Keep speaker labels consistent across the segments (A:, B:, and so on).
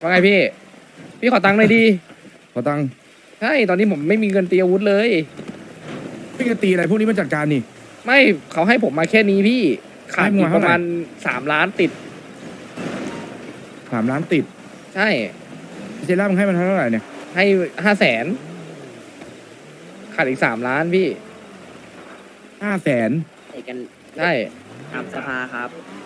A: ว่าไงพี่ พี่ขอตังค์หน่อยดี
B: ขอตังค์
A: ใช่ ตอนนี้ผมไม่มีเงินตีอาวุธเลย
B: พี่จะตีอะไรพวกนี้มันจัดการนี่
A: ไม่เขาให้ผมมาแค่นี้พี่ ขาด
B: ให้มึ
A: อี
B: ง
A: ก
B: มา
A: ป
B: เท่าไหร่
A: ระมาณ3 ล้านติด
B: 3 ล้านติด
A: ใช่
B: เจล่ามึงให้มันเท่าไหร่เนี่ย
A: ให้500,000ขาดอีก3 ล้านพี่
B: 500,000
C: เอกกัน
A: ใช่
C: ทำสภาครับ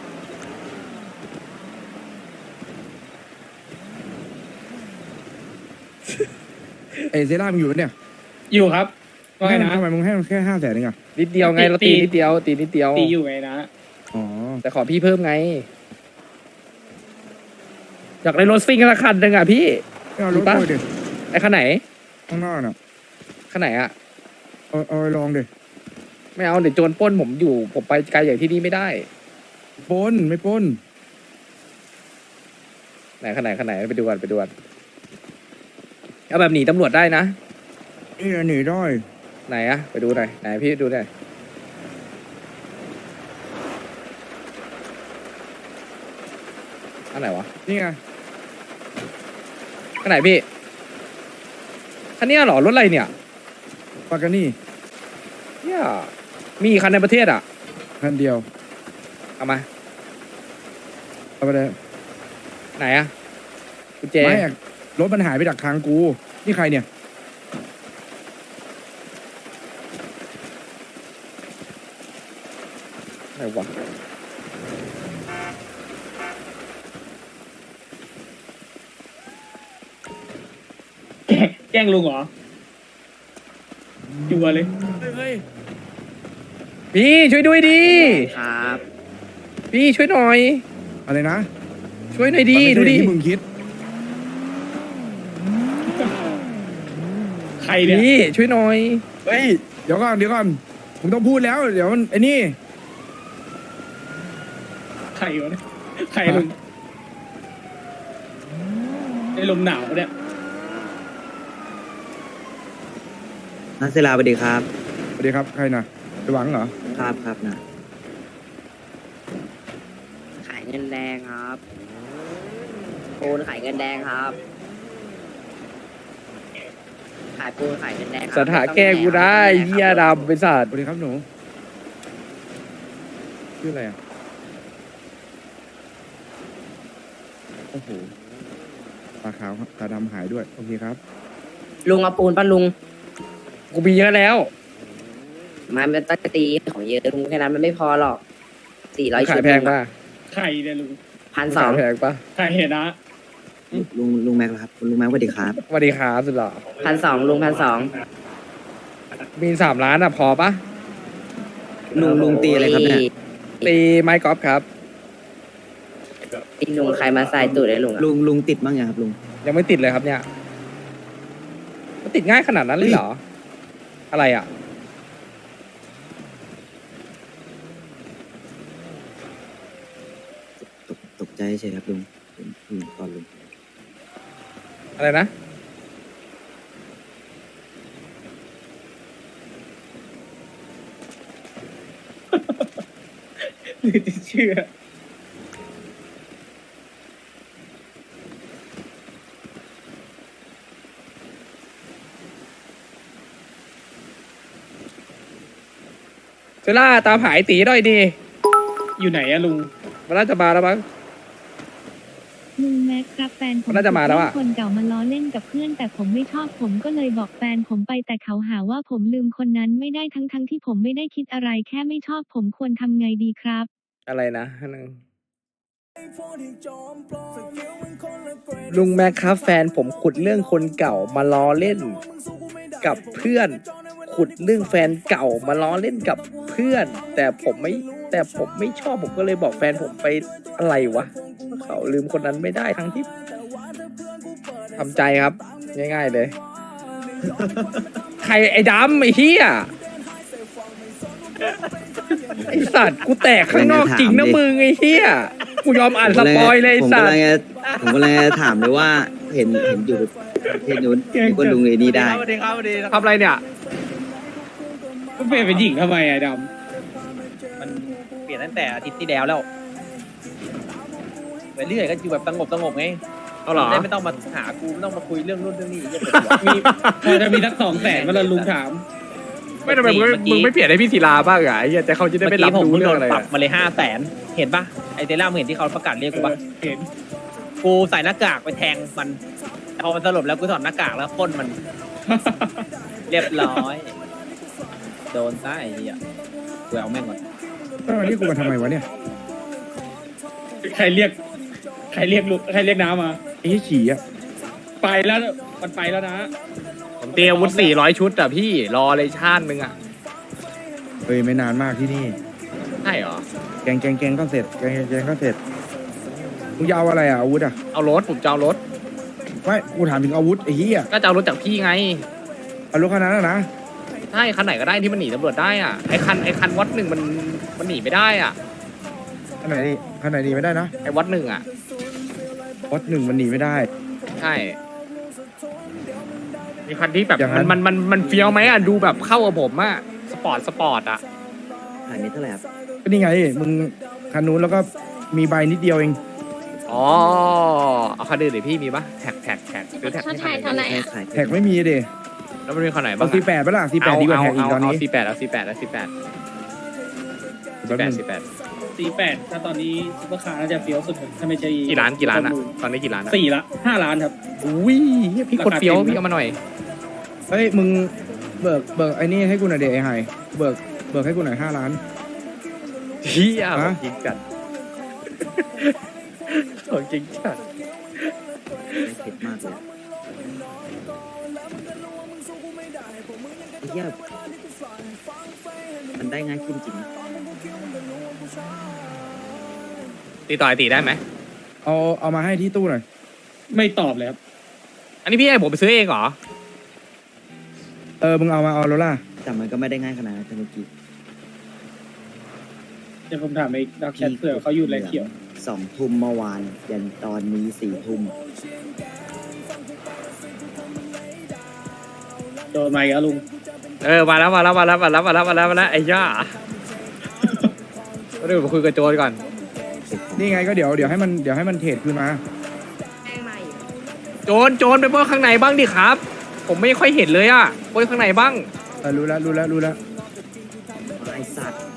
B: เจล่ามึงอยู่ปะเนี่ย
D: อยู่ครับว่าไงนะ
B: ทำไมมึงให้มันแค่500,000เองอะ
A: นิดเดียวไงเราตีนิดเดียว ตีนิดเดียว
D: ตีอยู่ไงนะ
B: อ๋อ
A: แต่ขอพี่เพิ่มไง อยากได้รถซิ่งละคันหนึ่งอ่ะพี่
B: ไม่เอารถ
A: ปะ
B: โอยดิ
A: ไอ้คันไหน
B: ข้างนอกน่ะ
A: คันไหนอ่ะ
B: เอาไปลองดิ
A: ไม่เอาเดี๋ยวโจรปล้นผมอยู่ ผมไปไกลอย่างที่นี่ไม่ได้
B: ปล้นไม่ปล้น
A: ไหนคันไหนคันไหนไปดูกันไปดูกันเอาแบบหนีตำรวจได้นะ
B: นี่หนีได้
A: ไหนอะไปดูหน่อยไหนพี่ดูหน่อยอันไหนวะ
B: นี่ไง
A: อันไหนพี่คันเนี้ยเหรอรถอะไรเนี่ย
B: ปากกานี่
A: เนี่ยมีกี่คันในประเทศอ่ะ
B: คันเดียว
A: เอามา
B: เอาไปเลย
A: ไหนอะกุญแจ
B: ไม่อะรถมันหายไปจากทางกู นี่ใครเนี่ย
A: ไหนวะ
D: แกล้งลุงเหรอจัวเลย
B: เฮ้ย
A: พี่ช่วยด้วยดี
C: ครับ
A: พี่ช่วยหน่อย
B: อะไรนะ
A: ช่วยหน่อยดี
B: มัน
A: ดู
B: ไม่ใช่
A: ดิ
B: ที่มึงคิด
D: ใครเนี่ย
A: พี่ช่วยหน่อย
B: เฮ้ย เดี๋ยวก่อนมึงต้องพูดแล้ว เดี๋ยวมันไอ้นี่
D: ใครวะเนี่ยใครลุงไอ้ลมหนาวปะเนี่ย
E: นักศิลาสวัสดีครับ
B: สวัสดีครับ ใครนะไปหวังเหรอ
E: ครับครับนะ
C: ขายเงินแดงครับปูนขายเงินแดงครับ ขายปูนขายเงินแดงครับ
A: สถาแก้กูได้เฮียดำเป็นสัต
B: ส
A: ว์
B: วัสดีครับหนู ชื่ออะไรอ่ะ โอ้โห ตาขาวครับตาดำหายด้วย โอเคครับ
C: ลุงเอาปูนป่ะลุง
A: กูมีเยอะแล้ว
C: มันเป็นตั้งตีของเยอะลุงแค่นั้นมันไม่พอหรอก400
A: ขา
C: ชุ
A: ย
C: ด
A: แพงป่ะ
D: ใครเนี่ยลุง
C: 1,200
A: ขายแพงป่ะ
D: ใครเห็นนะ
E: ลุงแม็กซ์เหรอครับคุณลุงแม็กซ์สวัสดีครับ
A: สวัสดีครับสุดหล่อ
C: 1,200ลุง1,200
A: มี3 ล้านอ่ะพอป่ะ
E: ลุงตีอะไรครับเนี่ย
A: ตีไม้กอล์ฟครับ
C: ตีลุงใครมาใส่ตูดเลยลุงอะ
E: ลุงติดบ้างยังครับลุง
A: ยังไม่ติดเลยครับเนี่ยมันติดง่ายขนาดนั้นเลยเหรอ อะไรอ่ะ
E: ตกใจเฉยครับลุงก่อนลุง
A: อะไรนะ
D: หรือจะเชื่อ
A: เซล่าตามหายตีหน่อยดี
D: อยู่ไหนอะลุง
A: มันน่าจะมาแล้วมั้ง
F: ลุงแม็กครับแฟนผม
A: น่าจะมาแล้วอะ
F: คนเก่ามาล้อเล่นกับเพื่อนแต่ผมไม่ชอบผมก็เลยบอกแฟนผมไปแต่เขาหาว่าผมลืมคนนั้นไม่ได้ทั้งที่ผมไม่ได้คิดอะไรแค่ไม่ชอบผมควรทำไงดีครับ
A: อะไรนะนึงลุงแม็กครับแฟนผมขุดเรื่องคนเก่ามาล้อเล่นกับเพื่อน ขุดเรื่องแฟนเก่ามาล้อเล่นกับเพื่อน แต่ผมไม่ชอบผมก็เลยบอกแฟนผมไปอะไรวะเขาลืมคนนั้นไม่ได้ทั้งที่ทำใจครับ ง่ายๆเลย ใครไอ้ดำไอ้เหี้ยไอ้สัตว์กูแตกข้างนอกจริงนะมึงไอ้เหี้ยกูยอมอ่านสปอยเลยไอ้สัตว์
E: ผมก็เลยถามเลยว่าเห็นอยู่ประเทศนู้นก็ลุงไอ้นี่ได้
A: ทำอะไรเนี่ย
D: ก็เปลี่ยนเป็นหญิงทำไมอะด
G: มันเปลี่ยนตั้งแต่อาทิตย์ที่แล้วไปเรื่อยก็อยู่แบบสงบไง
H: เอาเหรอ
G: ได้ไม่ต้องมาหากูไม่ต้องมาคุยเรื่องนู่นเรื่องนี้เหี้ย
D: มีพอจะมีสัก200,000เวลาลุงถาม
H: ไม่ทำไมมึงไม่เปลี่ยนให้พี่ศิลาบ้างอ่ะไอ้เหี้ยแต่เขาจะได้ไม่รับรู้
G: เมื่อ
H: เรื่
G: กี้
H: องอะไร
G: ผมเพิ่งโดนปรับมาเลย500,000เห็นปะไอเตล่ามึงเห็นที่เขาประกาศเรียกกูปะ
D: เห็น
G: กูใส่หน้ากากไปแทงมันแต่พอมันสลบแล้วกูถอดหน้ากากแล้วพ่นมัน เรียบร้อย โดนซะไอ้เหี้ยกูเอาแม่งก่อน
B: แล้ววันนี้กูมาทำไมวะเนี่ย
D: ใครเรียกลุงใครเรียกน้ามา
B: ไอ้เหี้ยฉี่อ่ะ
D: ไปแล้วมันไปแล้วนะ
H: ผมเตรียมอาวุธ400 ชุดอ่ะพี่รอเลยชาตินึงอ่ะ
B: เฮ้ยไม่นานมากที่นี่
H: ใช่เหรอ
B: แกงก็เสร็จแกงก็เสร็จมึงจะเอาอะไรอ่ะอาวุธอ่ะ
H: เอารถผมจะเอารถ
B: ไม่กูถามถึงอาวุธไอ้เหี้ย
H: ก็จะเอารถจากพี่ไง
B: เอารถคันนั้นนะ
H: ใช่คันไหนก็ได้ที่มันหนีตำรวจได้อ่ะไอ้คันวัดหนึ่งมันหนีไม่ได้อ่ะ
B: คันไหนหนีไม่ได้นะ
H: ไอ้วัดหนึ่งอ่ะ
B: วัดหนึ่งมันหนีไม่ได้
H: ใช่มีคันที่แบบ
B: อย่างนั้น
H: มันเฟี้ยวไหมอ่ะดูแบบเข้ากับผมอ่ะสปอร์ตอ่ะ
E: ขายเม็ดเท่าไหร่ครับ
B: ก็นี่ไงมึงคันนู้นแล้วก็มีใบนิดเดียวเอง
H: อ๋อเอาคันอื่นเดี๋ยวพี่มีปะแท็กซื้อแท็กให้คันไหน
E: ขาย
B: แท็กไม่มีเด
H: แล้วมันมีคันไหน
B: เอา
H: บ้าง
B: สี่แปดปะล่ะสี่แปดดีกว่าแท็กอีกตอนนี้
H: เอา48เอา48
B: แป๊บนึง
D: 48ถ้าตอนนี้ซุปเปอร์คาร์น่าจะเฟี้ยวสุดถ้าไม่ใช่
H: กี่ล้านอ่ะตอนนี้กี่ล้านอ่ะ
D: 5 ล้านครับ
H: อุ้ยเหี้ยพี่กดเฟี้ยวพี่เอามาหน่อย
B: เฮ้ยมึงเบิกไอ้นี่ให้กูหน่อยเดไอ้ไฮเบิกให้กูหน่อย5 ล้าน
H: เฮีย
B: ฮะ
H: จริงจัดของจริงจัด
E: เผ็ดมากเลยไอ้เหี้ยมันได้ง่ายขึ้นจริง
H: ตีต่อยตีได้ไหม
B: เอามาให้ที่ตู้หน่อย
D: ไม่ตอบเลยครับ
H: อันนี้พี่ให้ผมไปซื้อเองเหรอ
B: มึงเอาโรล่า
E: แต่มันก็ไม่ได้ง่ายขนาดนั้นเมื่อกี้
D: เดี๋ยวผมถามไอ้ดักแชทเผื่อเขาอยู่ไรเขียว
E: 2 ทุ่มเมื่อวานยันตอนนี้4 ทุ่ม
D: โดนไหมครับลุง
H: มาแล้วไอ้ย่าเดี๋ยวมาคุยกับโจรก่อน
B: นี่ไงก็เดี๋ยวให้มันเทรดคืนมา
H: โจรไปปล้นข้างในบ้างดิครับ ผมไม่ค่อยเห็นเลยอ่ะปล้นข้างในบ้าง
B: รู้แล้ว
E: ไอ้สัตว์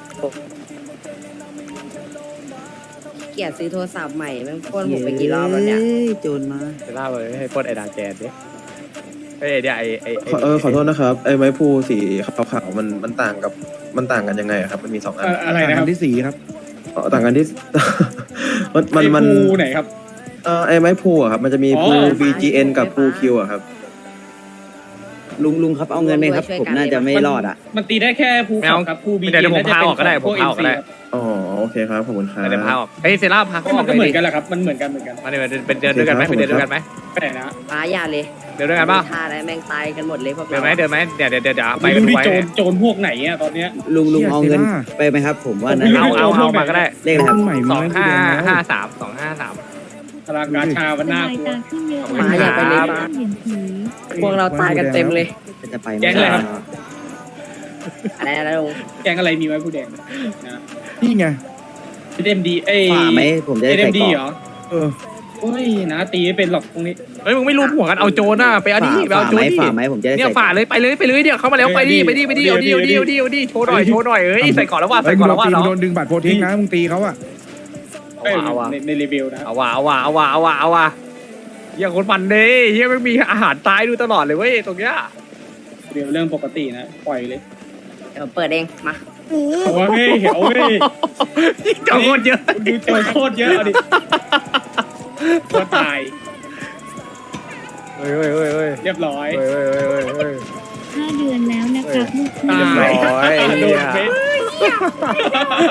C: เกลียดซื้อโทรศัพท์ใหม่แม่งพ่นผมไปกี่รอบแล้วเนี่ย
E: โจรมา
H: จะล่าเลยให้ปล้นไอ้ดาแจนดิเฮ้ยเดี๋ยวไอ้
I: ขอโทษนะครับไอ้ไม้พูสีขาวๆมันต่างกันยังไงอะครับมันมี2 อัน
D: อะไรนะครับ
B: ที่สีครับ
I: ต่างกันที่ มัน
D: ไอ้ภูไหนครับ
I: ไอ้ไม้พูอะครับมันจะมี
D: อ๋อ
I: พู BGN กับพูคิวอะครับ
E: ลุงครับเอาเงินไหมครับ ผมน่าจะไม่รอดอ่ะ
D: มันตีได้แค่ภูเขาครับภูบี
H: เดี๋ยวผมพาออกก็ได้ผมพาออกก็ได้
I: อ๋อโอเคครับขอบคุณครับ
H: เดี๋ยวพาออกเฮ้ยเซล่าพาเขาอ
D: มั
H: อน ก
D: ก็เหมือน
H: ดิ
D: กันแหละครับมันเหมือนกัน
H: มาเนี่ยเป็นเดินด้วยกันไหมไปเดินด้วยกันไหม
D: ไปไหนนะ
C: ป้าอย่าเลย
H: เดินด้วยกันเปล่า
C: ท่าอะไรแม่งตายกันหมดเลยพวก
H: เดิน
C: เรา
H: ไหมเดี๋ยวไป
D: ไม่
H: กัน
D: รู้ดิ
H: ไว้
D: โจรพวกไหนอ่ะตอนเนี้ย
E: ลุง
B: เชี่ย
E: เอาเงิน
B: เซล่า
E: ไปไหมครับ ผมว่า
D: ผม
E: นะ
D: ไม่รู้
H: เอามาก็ได้
E: เลขอะไรครับ
B: ใหม่มีไหมกูแดงแล้ว
H: 2553253
D: พลังงานชาวันหน้า
F: สบายตาขึ้นเยอะ
H: ป้าอย่าไปเลยป้า
F: เห็นผี
C: พวกเราตายกันเต็มเลย
E: จะไป
D: แก๊งอะไรครับ
C: อะไรนะลุง
D: แกงอะไรมีไว้ผู้แดงนะ
B: นี่ไง
D: เอ็มดีเอ้ย
E: ฝ่าไหมผมจะได้
D: เอ็
E: ใส่
D: มดี
E: กร
D: เหร
E: อบ
D: อ
B: เออ
D: โอ้ยนะตีไม่เป็นหรอกตรงนี้
H: เฮ้ยมึงไม่รู้หัวกันเอาโจรน่ะไปเอาดิไปเอาโจรดิ
E: ฝ่าไหมผมจะได้
H: เนี่ย
E: ใส่
H: ฝ่าเลยไปเลยเดี๋ยวเข้ามาแล้วไปดิเอาดิโชว์หน่อยเอ้ยใส่ก่อนแล้วว่าใส่ก่อนแล้วว่า
B: มึ
H: เนาะ
B: งโดนดึงบัตรโพเทคนะมึงตีเขาอะ
H: เอาว่ะ
D: ในรีวิวนะ
H: เอาว่ะเฮียคนมันเด้เฮียไม่มีอาหารตายดูตลอดเลยเว้ยตรงเนี้ย
D: เดี๋ยวเรื่องปกตินะปล่อยเลย
C: เดี๋ยวเปิดเองมา
D: เอาเฮ้ยเอาเฮ้ย
H: เจ้าโคตรเยอะ
D: ดูโจรโคตรเยอะเอาดิตัวตาย
H: เฮ้ย
D: เรียบร้อย
F: 5 เดือนแล้วนะครับลูกพี่
D: ตาย
H: เรียบร้อย
D: โดนเฟซ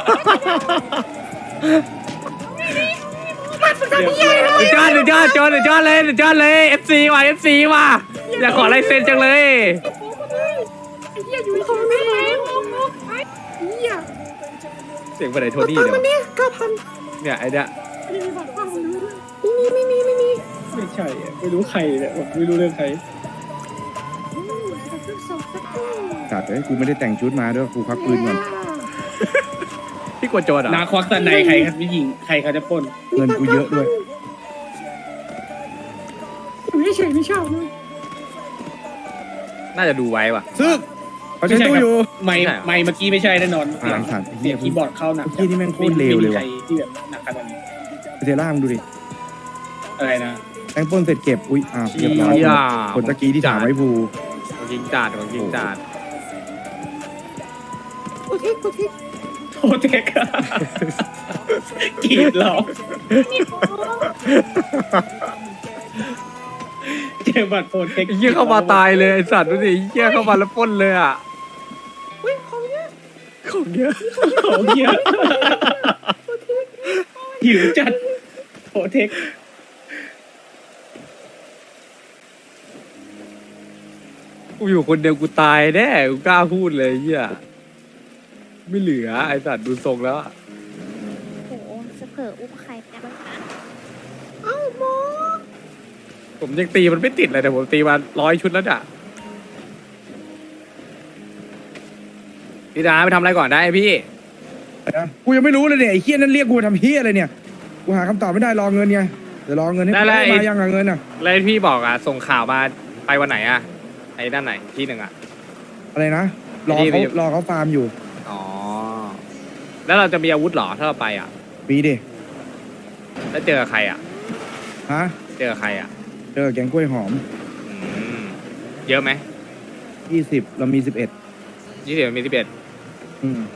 D: เรียบร้อย
H: สุดยอดเลย FC ว่ะอยากขอลายเซ็นจังเลยเสียงไปไหนโทนี่เดี๋ยวเนี่ยไอ้เนี่ย
D: ไม่ใช่อะไม่รู้ใครเนี่ยไม่รู้เรื่องใคร
B: จัดเลยกูไม่ได้แต่งชุดมาด้วยกูพักปืนก่อน
H: พี่กวดโจรอ่ะ
D: นาควักตะในใครครับผู้หญิงใครเขาจะปล้น
B: เงินกูเยอะด้วย
D: ไม่ใช่ไม่ชอบ
H: น่าจะดูไว้ว่ะ
B: ซึกเขาใช้ตู้อยู่
D: ไม่เมื่อกี้ไม่ใช่แน่นอน
B: อ่าสัตว์
D: เสียงคีย์บอร์ดเข้าหนัก
B: เมื่อกี้นี่แม่งโคตรเลวเลยว่ะ
D: ไม่มีใครที่แบบหนักขนาดนี้
B: เซล่ามึงดูดิ
D: อะไรนะ
B: แตงป้นเสร็จเก็บอุ้ยอ้าวเรียบร้อย
H: เหี้ย
B: คนตะกี้ที่ถามไว้ภู
H: ของยิงจัดของยิงจัด
D: โทเทคกรีดหรอเจอบัตรโทเทค
H: ไอ้เหี้ยเข้ามาตายเลยไอ้สัตว์ดูดิไอ้เหี้ยเข้ามาแล้วปล้นเลยอ่ะของเยอะของเยอะ
D: ของเยอะหิวจัดโทเทค
H: กูอยู่คนเดียวกูตายแน่กูกล้าพูดเลยไอ้เหี้ยไม่เหลือไอ้สัตว์ดูทรงแล้วอะ
F: โอ้จะเผลออุ้มใครไปบ้างคะ
H: ผมยังตีมันไม่ติดเลยแต่ผมตีมา100 ชุดแล้วอ่ะพี่ดาไปทำอะไรก่อนได้พี่
B: กูยังไม่รู้เลยเนี่ยไอ้เฮี้ยนั่นเรียกกูมาทำเฮี้ยอะไรเนี่ยกูหาคำตอบไม่ได้รอเงินไงเดี๋ยวรอเงินให้
H: ได้
B: มายังเงินอ่ะ
H: แล้วพี่บอกอ่ะส่งข่าวมาไปวันไหนอ่ะไอ้ด้านไหนที่หนึ่งอ่ะ
B: อะไรนะรอ
H: ที่
B: เขาฟาร์มอยู่
H: อ๋อแล้วเราจะมีอาวุธเหรอถ้าเราไปอ่ะ
B: ปีดิ
H: แล้วเจอใครอ่ะ
B: ฮะ
H: เจอใครอ่ะ
B: เจอแกงกล้วยหอม
H: อืมเยอะไหม
B: 20เรามี11
H: 20มี11
B: อืม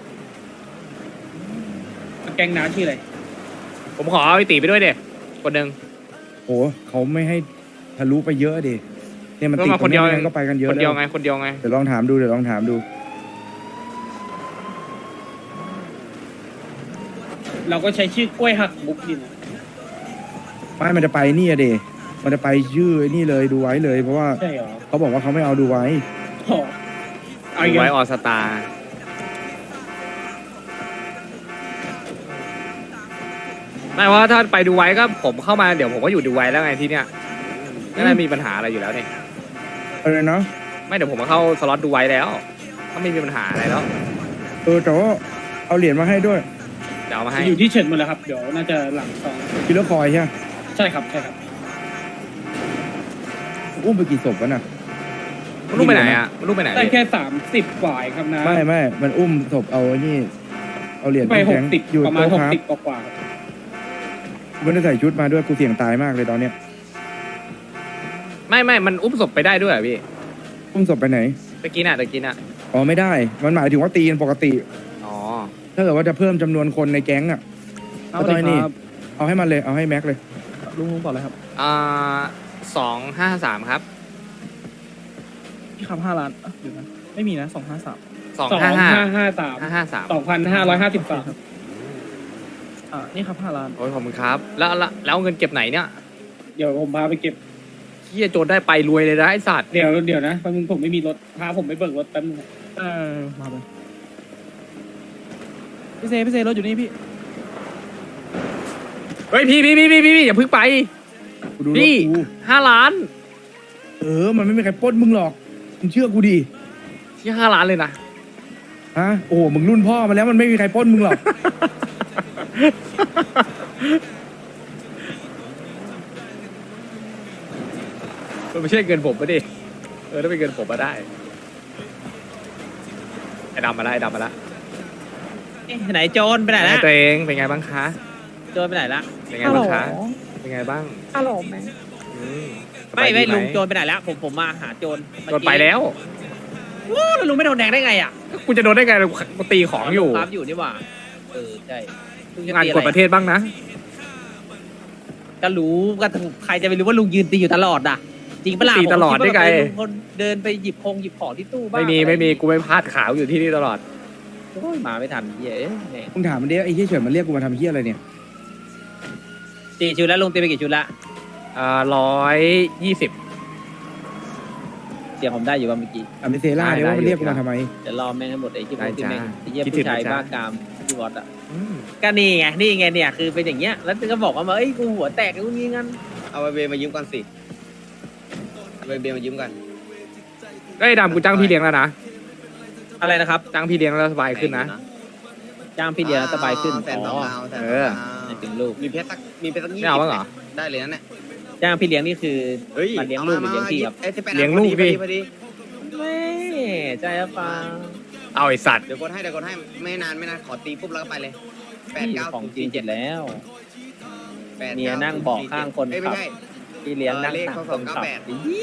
D: แกงน้าชื่ออะไร
H: ผมขอเอาไอ้ตีไปด้วยเด็คนหนึ่ง
B: โหเขาไม่ให้ทะลุไปเยอะดิเนี่ยมัน
H: ก็
B: ติด
H: มาคนเดียว
B: ตรงก็ไปกันเยอะ
H: คนเดียว
B: แล้
H: ไงคนเดียวไง
B: เดี๋ยวลองถามดู
D: เราก็ใช้ชื่อกล้วยหักมุกดิน
B: ไม่มันจะไปนี่อะเดมันจะไปชื่อไอ้นี่เลยดูไว้เลยเพราะว่า
D: ใช่เหรอ
B: เขาบอกว่าเขาไม่เอาดูไว้
D: อ๋อเอาอีก
H: ไว้
D: แล้ว
H: ออสตาไม่ว่าถ้าไปดูไว้ก็ผมเข้ามาเดี๋ยวผมก็อยู่ดูไว้แล้วไงที่เนี้ยไม่ได้มีปัญหาอะไรอยู่แล้วเนี่ย
B: อะไรนะ
H: ไม่เดี๋ยวผมมาเข้าสล็อตดูไว้แล้วก็ไม่มีปัญหาอะไรแล้ว
B: แต่ว่าเอาเหรียญมาให้ด้วย
H: เดี๋ยวเอามาให้
D: อยู่ที่เฉินหมดแล้วครับ เดี๋ยวน่าจะหลังซอง
B: คิลเลอร์คอยใช่ไหม
D: ใช่ครับใช่ครับ
B: อุ้มไปกี่ศพวะน่ะ
H: มันลูกไปไหนอ่ะมันลูกไปไหน
D: ได้
H: พี่
D: แค่30 กว่าเองครับนะ
B: ไม่มันอุ้มศพเอาไอ้นี่เอาเหรียญ
D: ไป
B: แข็งๆ
D: 60
B: อยู่
D: ประมาณ
B: โต๊ะครับ
D: 60 กว่าครับ
B: กูไม่ได้ใส่ชุดมาด้วยกูเสี่ยงตายมากเลยตอนเนี้ย
H: ไม่มันอุ้มศพไปได้ด้วยเหรอพี่
B: อุ้มศพไปไหน
H: ตะกี้น่ะตะกี้น่ะ
B: อ๋อไม่ได้ มันหมายถึงว่าตีกันปกติ
H: อ๋อ
B: ถ้าเกิดว่าจะเพิ่มจำนวนคนในแก๊งอ่ะก็ต้องไอ้นี่เอาให้มันเลยเอาให้แม็กเลย
D: ลุงบอกเลยครับ
H: 253ครับ
D: พี่คำ5 ล้านเดี๋ยวนะไม่มีนะ253
H: 255
D: 2553
H: 553
D: นี่ครับ5 ล้าน
H: โอ้ยขอบคุณครับแล้วเงินเก็บไหนเนี่ย
D: เดี๋ยวผมพาไปเก็บ
H: เฮียโจรได้ไปรวยเลยนะไอ้สัตว์
D: เดี๋ยวนะแป๊บนึงผมไม่มีรถพาผมไปเบิกรถแป๊บนึงมาไปพี่เซรถอยู่นี่พี่
H: เฮ้ยพี่อย่าเพึ่งไป
B: กูดูรถ
H: พี่
B: กู
H: 5 ล้าน
B: มันไม่มีใครปล้นมึงหรอกมึงเชื่อกูดิ
H: ที่5 ล้านเลยนะ
B: ฮะโอ้โหมึงรุ่นพ่อมาแล้วมันไม่มีใครปล้นมึงหรอก
H: มันไม่ใช่เงินผมปะดิถ้าเป็นเงินผมมาได้ไอ้ดำมาละ
G: ไหนโจรไปไหนละ
H: ตัวเองเป็นไงบ้างคะ
G: โจรไปไหนละ
H: เป็นไงบ้างคะเป็นไงบ้าง
F: ฮัลโหลไหม
H: อืม
G: ไม่
H: สบายดีห
G: ลุงโจรไปไหนละผมมาหาโจร
H: โดนไปแล้ว
G: โอ้แล้วลุงไม่โดนแดงได้ไงอ่ะ
H: กูจะโดนได้ไงกูตีของอยู่
G: ครับอยู่นี่หว่าใช่ลุจะ
H: งาน
G: ตี
H: กดประเทศบ้างนะ
G: ก็รู้ก็ใครจะไปรู้ว่าลุงยืนตีอยู่ตลอดอ่ะจริงปะล่ะ
H: ตีตลอดได้ไง
G: ลุงคนเดินไปหยิบของที่ตู้บ้าง
H: ไม่มีกูไม่พลาดขาวอยู่ที่นี่ตลอด
G: โอ้ยมาไม่ทันเหี้ยแม่ง
B: มึงถามมันดิไอ้เหี้ยเฉินมันเรียกกูมาทำเหี้ยอะไรเนี่ย
G: ตีชุดแล้วลุงตีไปกี่ชุดละ
H: 120
G: เสียงผมได้อยู่ว่าเมื่อกี้
B: ไม่เซล่าเนี่ยว่ามันเรียกกูมาทำไม
G: เดี๋ยวรอแม่งให้หมดไอ้ที่
H: ได้
G: ที่แม่ง
H: จ้า
G: ไอ้เหี้ย
H: คิดถึ
G: ผู้
H: ง
G: ชาย
H: นะจ๊ะ
G: บ้ากามที่วอดอ่ะก็นี่ไงเนี่ยคือเป็นอย่างเงี้ยแล้วก็บอกว่าเอ้ยกูหัวแตกกูงี้งั้น
E: เอาไปเบมายืมก่อนสิเอาไปเบมายืมก่อน
H: ไอ้ยดำกูจ้างพี่เลี้ยงแล้วนะ
G: อะไรนะครับ
H: จ้างพี่เลี้ยงแล้วสบายขึ้นนะ
G: จ้างพี่เดียสบายขึ้น
E: แสนสอง
G: อ๋อ
E: เอาแสน
H: เอ
E: สอง
H: อ
E: เอา
G: ไม่ถึงลูก
E: มีเพชรสัก20
H: ไม่เอาบ้างเหรอ
E: ได้เลยนั่นแหละ
G: จ้างพี่เลี้ยงนี่คือ
E: เฮ้ย
G: มันเลี้ยงลูกหรือเลี้ยงพี่ครับ
H: เลี้ยงลูกดิ
E: พอดี
G: ไม่ใจอะฟัง
H: เอาไอสัตว์
E: เดี๋ยวกดให้ไม่นานขอตีปุ๊บแล้วก็ไปเลยแปด
G: พี่
E: เก้า
G: ของจริงเจ็ดแล้ว
E: แปด
G: เมียนั่งเบอกข้างคน
E: เอ้ย
G: ขั
E: ไม่
G: บ
E: ใช่
G: พี่เลี้ยงนั่ง
E: เลข
G: ข้าง
E: เขา
G: คน
E: 298
G: ขับ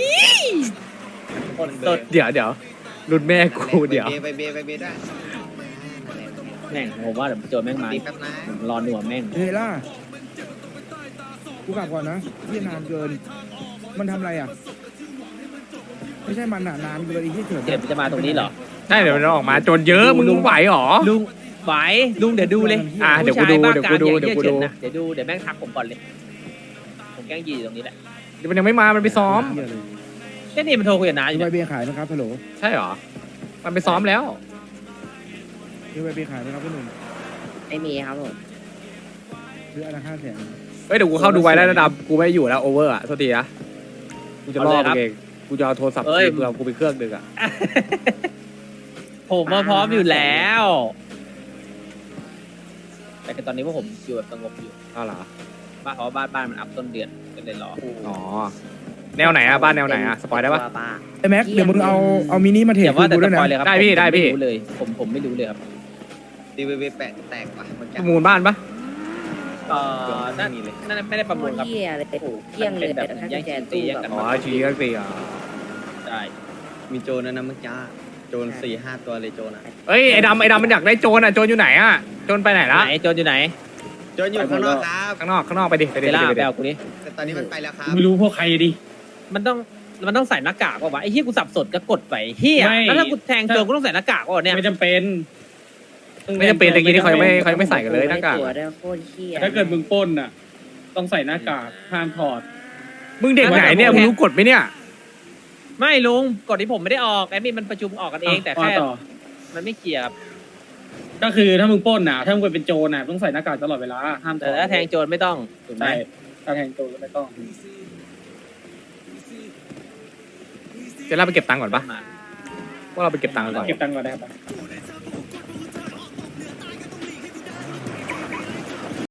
G: คนสด
H: เดี๋ยวรุ่นแม่กูเดี๋ยว
E: ไปเบได้
G: แม่งผมว่าเดี๋ยวโจรแม่งมา
E: ตีแป๊บนะ
G: ผมรอหนัวแม่ง
B: เฮล่ากูกลับก่อนนะที่นานเกิน มันทำอะไรอ่ะ ไม่ใช่มันอ่ะนานเกินอีกที่เถิด
G: เดี๋ยวมันจะมาตรงนี้เหรอ
H: ใช่เดี๋ยวมันออกมาโจนเยอะมึงไหวหรอ
G: ลุงไหวลุงเดี๋ยวดูเลย
H: อ่ะเดี๋ยวกูดู
G: ผู้ชา
H: เดี๋ยวกูดู
G: บ้ากาม
H: เดี๋ยวกูดู
G: นะเดี๋ยวดูเดี๋ยวแม่งทักผมก่อนเลย ผมแกล้งยีอยู่ตรงนี้แหละ
H: เดี๋ยวมันยังไม่มามันไปซ้อม
B: เหี้ยเลย
G: แค่นี้มันโทรคุยกับน้าอ
B: มี
G: ยู่
B: ใบ
G: เนี่ย
B: เบียร์ขายไหมครับฮัลโหล
H: ใช่หรอ มันไปซ้อมแล้ว
B: มีใบเบียร์ขายไหมครับพี่หนุ่ม
C: ไม่มีครับผม
B: ซื้ออันละ500,000
H: เฮ้ยเดี๋ยวกูเข้าดูไว้แล้วระดับกูไม่อยู่แล้วโอเวอร์อ่ะโทษทีนะกูจะรอดเองกูจะเอาโทรศัพท์คืนกูเอากูไปเครื่องดึกอ่ะ
G: ผมมาพร้อมอยู่แล้ว แต่คือตอนนี้พวกผมอยู่แบบสงบอยู่
H: เอาเหรอ
G: บ้านเพราะว่าบ้านมันอัพต้นเดือนก็เลยรอ
H: อ๋อแนวไหนอ่ะบ้านแนวไหนอ่ะสปอยได้ปะ
C: ป้า
B: ไอ้แม็กเดี๋ยวมึงเอามินิมาเท
G: อย่าว่าแต่
B: กู
G: ส
B: ด้วย
G: ป
B: นะ
G: อยเลยครับ
H: ได้พี่
G: ผม
H: ได้พี่
G: ไม่รู้เลย ผมไม่รู้เลยครับ
E: ตีเบแตกว่ะมัน
H: ประมูลบ้านปะ
G: นั่นไม่ได้ประมูลครับ
C: เที่ยเลยโอ้โหเที่ยงเลย
G: มันเป็นแบบ
C: ถ้า
G: แย่ง
C: แจ
G: ชิงตี
C: ตู้
G: แย่ง
C: แบ
G: กัน
C: บ
H: อ๋อชี้ก็ตีอ่ะ
G: ใช่
E: มีโจรนะเมื่อกี้โจร4-5 ตัวเลยโจรอ่ะ
H: เอ้ยไอ้ดำมันอยากได้โจรอ่ะโจรอยู่ไหนอ่ะโจรไปไหนละ
G: ไหนโจรอยู่ไหน
E: โจรอยู่ข้างนอกครับ
H: ข้างนอกไปดิไป
G: เด
H: ดิ
G: ล่า
H: ไป
G: ไป
H: ดิ
G: เอากูนี่
E: แต่ตอนนี้มันไปแล้วครับ
D: ไม่รู้พวกใครดิ
G: มันต้องใส่หน้ากากป่าวะไอ้เหี้ยกูสับสนก็กดไปเหี้ย
D: ไม่
G: แล้วถ้ากูแทงโจรกูต้องใส่หน้ากากป่ะเนี่ย
D: ไม่จำเป็น
H: ไม่จำเป็นตะกี้นี่เขายังไม่ใส่กันเลยหน้ากาก
C: ตัวได้โคตรเที่ย
D: ถ้าเกิดมึงปล้นน่ะ ต้องใส่หน้ากากห้ามถอด
H: มึงเด็กไหนเนี่ยมึงรู้กฎไหมเนี่ย
G: ไม่ลุงกดที่ผมไม่ได้ออกแอดมินมันประชุมออกกันเองแต่แค่
D: ว่าต่อ
G: มันไม่เคลียร์ครับ
D: ก็คือถ้ามึงปล้นน่ะ ถ้ามึงเป็นโจรน่ะต้องใส่หน้ากากตลอดเวลาห้ามถ
G: แต่
D: อด
G: ถ้าแทงโจรไม่ต้องถูกไหม
D: ใช่ถ้าแทงโจรก็ไม่ต้อง
H: จะเราไปเก็บตังค์ก่อนปะว่าเราไปเก็บตังค์ก่อน
D: เก็บตังค์ก่อนได้ครับ